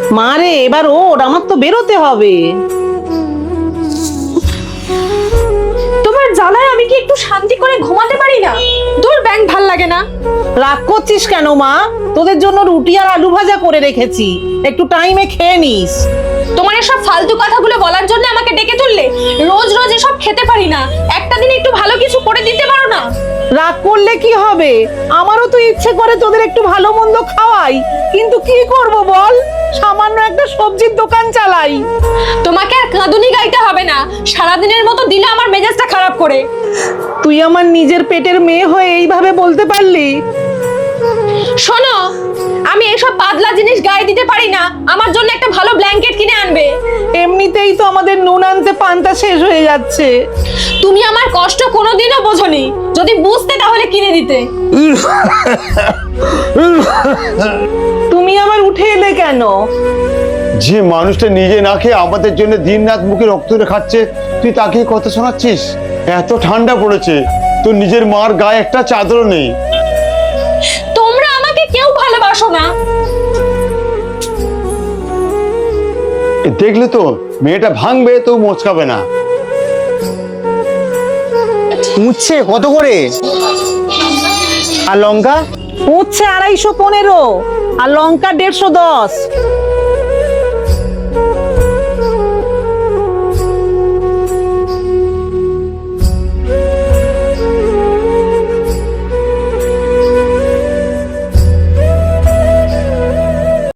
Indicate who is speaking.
Speaker 1: মা রে, এবার ওর, আমার তো বেরোতে হবে।
Speaker 2: তোমার জ্বালায় আমি কি একটু শান্তি করে ঘুমাতে পারি না? দূর ব্যাং, ভাল লাগে না।
Speaker 1: রাগ করছিস কেন মা? তোদের জন্য রুটি আর আলু ভাজা করে রেখেছি, একটু টাইমে খেয়ে নিস।
Speaker 2: তোমার এসব ফালতু কথাগুলো বলার জন্য আমাকে ডেকে তুললে? রোজ রোজ এসব খেতে পারি না, একটা দিন একটু ভালো কিছু করে দিতে পারো না?
Speaker 1: রাগ করলে কি হবে? আমারও তো ইচ্ছে করে তোদের একটু ভালো মন্দ খাওয়াই, কিন্তু কি করব বল, সামান্য একটা সবজির দোকান চালাই।
Speaker 2: তোমাকে আর কাঁদুনি গাইতে হবে না, সারাদিনের মতো দিলে আমার মেজাজটা খারাপ করে।
Speaker 1: তুই আমার নিজের পেটের মেয়ে হয়ে এইভাবে বলতে পারলি?
Speaker 2: শোনো, আমি এসব পাতলা জিনিস গায়ে দিতে পারি না, আমার জন্য একটা ভালো ব্ল্যাঙ্কেট কিনে আনবে।
Speaker 1: এমনিতেই তো আমাদের নুন আনতে পান্তা শেষ হয়ে যাচ্ছে।
Speaker 2: তুমি আমার কষ্ট কোনোদিনও বোঝোনি, যদি বুঝতে তাহলে কিনে দিতে।
Speaker 1: তুমি আবার উঠে এলে কেন?
Speaker 3: যে মানুষটা নিজে না খেয়ে আমাদের জন্য দিন রাত মুখে রক্ত ধরে খাচ্ছে, তুই তাকে কথা শোনাচ্ছিস? এত ঠান্ডা পড়েছে, তোর নিজের মার গায়ে একটা চাদরও নেই।
Speaker 2: তোমরা আমাকে কেউ ভালোবাসো না।
Speaker 3: দেখলে তো, মেয়েটা ভাঙবে তো মোচকাবে না।
Speaker 4: উচ্ছে কত করে? আর লঙ্কা?
Speaker 1: উচ্ছে 215 আর লঙ্কা 110।